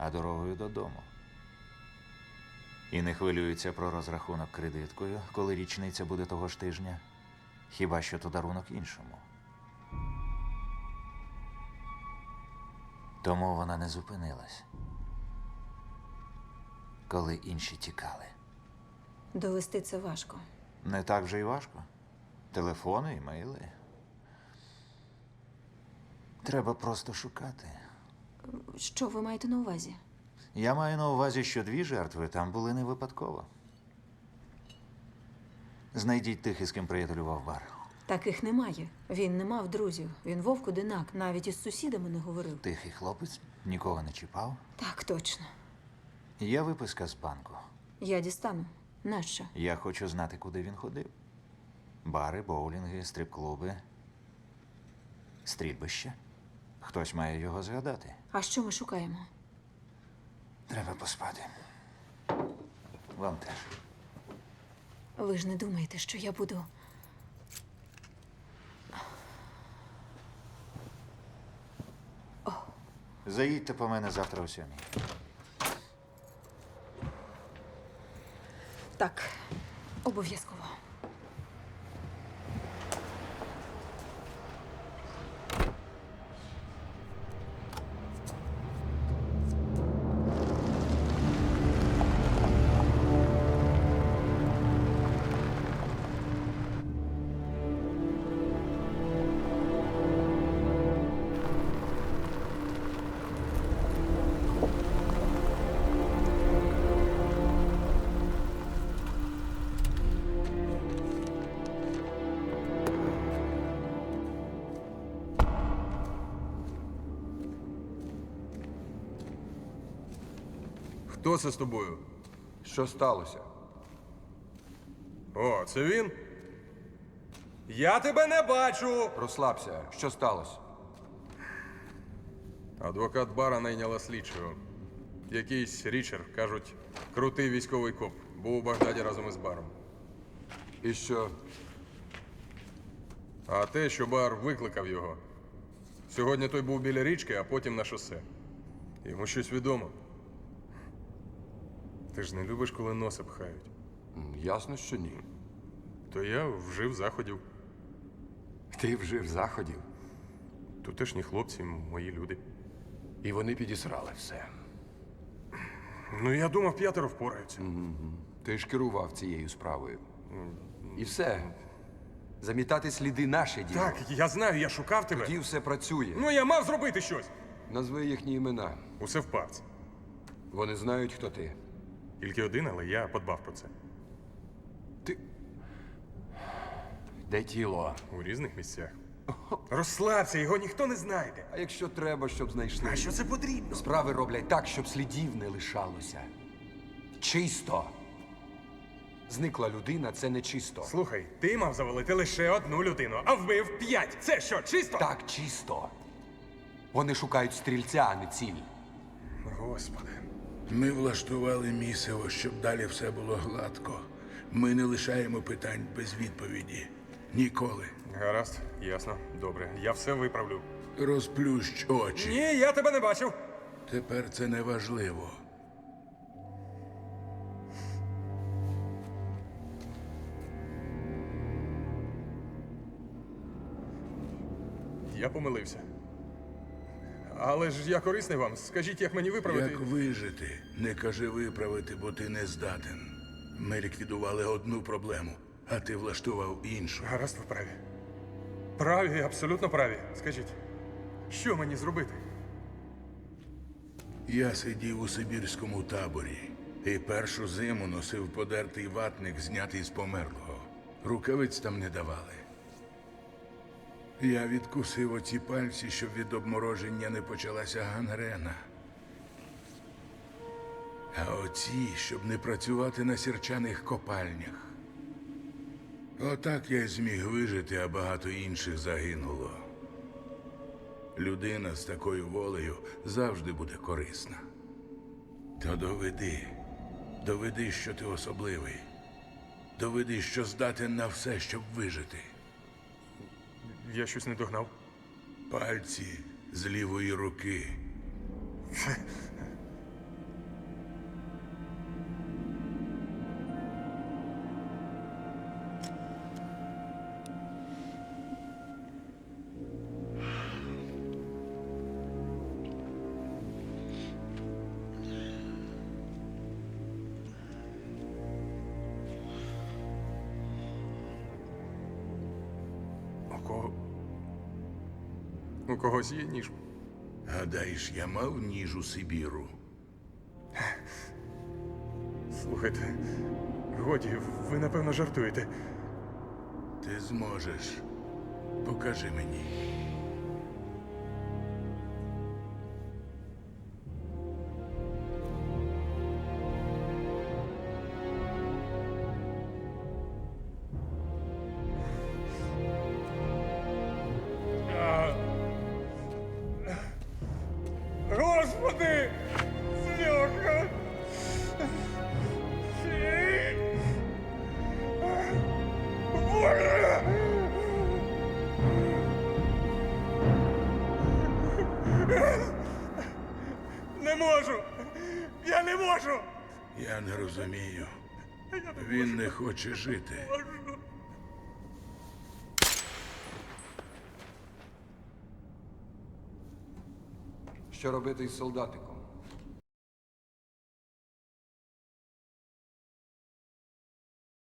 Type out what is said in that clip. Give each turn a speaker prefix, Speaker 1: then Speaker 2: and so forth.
Speaker 1: а дорогою додому. І не хвилюється про розрахунок кредиткою, коли річниця буде того ж тижня. Хіба що то дарунок іншому. Тому вона не зупинилась, коли інші тікали.
Speaker 2: Довести це важко.
Speaker 1: Не так вже й важко. Телефони, імейли. Треба просто шукати.
Speaker 2: Що ви маєте на увазі?
Speaker 1: Я маю на увазі, що 2 жертви там були не випадково. Знайдіть тих, із ким приятелював бар.
Speaker 2: Таких немає. Він не мав друзів. Він вовк-одинак, навіть із сусідами не говорив.
Speaker 1: Тихий хлопець, нікого не чіпав.
Speaker 2: Так, точно.
Speaker 1: Є виписка з банку.
Speaker 2: Я дістану. Нащо?
Speaker 1: Я хочу знати, куди він ходив. Бари, боулінги, стрип-клуби, стрільбище. Хтось має його згадати.
Speaker 2: А що ми шукаємо?
Speaker 1: Треба поспати. Вам теж.
Speaker 2: Ви ж не думаєте, що я буду...
Speaker 1: Заїдьте по мене завтра о 7:00.
Speaker 2: Так, обов'язково.
Speaker 3: Хто це з тобою?
Speaker 4: Що сталося?
Speaker 3: О, це він? Я тебе не бачу!
Speaker 4: Розслабся. Що сталося?
Speaker 3: Адвокат бара найняла слідчого. Якийсь Річард, кажуть, крутий військовий коп. Був у Багдаді разом із баром.
Speaker 4: І що?
Speaker 3: А те, що бар викликав його. Сьогодні той був біля річки, а потім на шосе. Йому щось відомо. Ти ж не любиш, коли носа пхають.
Speaker 4: Ясно, що ні.
Speaker 3: То я вжив заходів.
Speaker 4: Ти вжив заходів,
Speaker 3: Тутешні хлопці, мої люди.
Speaker 4: і вони підісрали все.
Speaker 3: Ну, я думав, 5 впораються.
Speaker 4: Ти ж керував цією справою. І все. Замітати сліди наше діло.
Speaker 3: Так, я знаю, я шукав тебе.
Speaker 4: Тоді все працює.
Speaker 3: Ну, я мав зробити щось.
Speaker 4: Назви їхні імена.
Speaker 3: Усе в папці.
Speaker 4: Вони знають, хто ти.
Speaker 3: Тільки один, але я подбав про це.
Speaker 4: Ти. Де тіло?
Speaker 3: У різних місцях. Розслабся, його ніхто не знайде.
Speaker 4: А якщо треба, щоб знайшли?
Speaker 3: А що це потрібно?
Speaker 4: Справи роблять так, щоб слідів не лишалося. Чисто. Зникла людина, це не чисто.
Speaker 3: Слухай, ти мав завалити лише 1 людину, а вбив 5. Це що, чисто?
Speaker 4: Так, чисто. Вони шукають стрільця, а не ціль.
Speaker 3: Господи.
Speaker 5: Ми влаштували місиво, щоб далі все було гладко. Ми не лишаємо питань без відповіді. Ніколи.
Speaker 3: Гаразд, ясно, добре. Я все виправлю.
Speaker 5: Розплющ очі.
Speaker 3: Ні, я тебе не бачив.
Speaker 5: Тепер це не важливо.
Speaker 3: Я помилився. Але ж я корисний вам. Скажіть, як мені виправити?
Speaker 5: Як вижити? Не кажи виправити, бо ти не здатен. Ми ліквідували одну проблему, а ти влаштував іншу.
Speaker 3: Гаразд, ви праві. Праві, абсолютно праві. Скажіть, що мені зробити?
Speaker 5: Я сидів у сибірському таборі і першу зиму носив подертий ватник, знятий з померлого. Рукавиць там не давали. Я відкусив оці пальці, щоб від обмороження не почалася гангрена. А оці, щоб не працювати на сірчаних копальнях. Отак я й зміг вижити, а багато інших загинуло. Людина з такою волею завжди буде корисна. То доведи, що ти особливий. Доведи, що здатен на все, щоб вижити.
Speaker 3: Я щось не догнав.
Speaker 5: Пальці з лівої руки.
Speaker 3: У когось є ніж.
Speaker 5: Гадаєш, я мав ніж у Сибіру?
Speaker 3: Слухайте, годі, ви напевно жартуєте.
Speaker 5: Ти зможеш. Покажи мені.
Speaker 3: Господи! Бляха! Боже! Не можу! Я не можу!
Speaker 5: Я не розумію. Він не хоче жити.
Speaker 4: Що робити із солдатиком?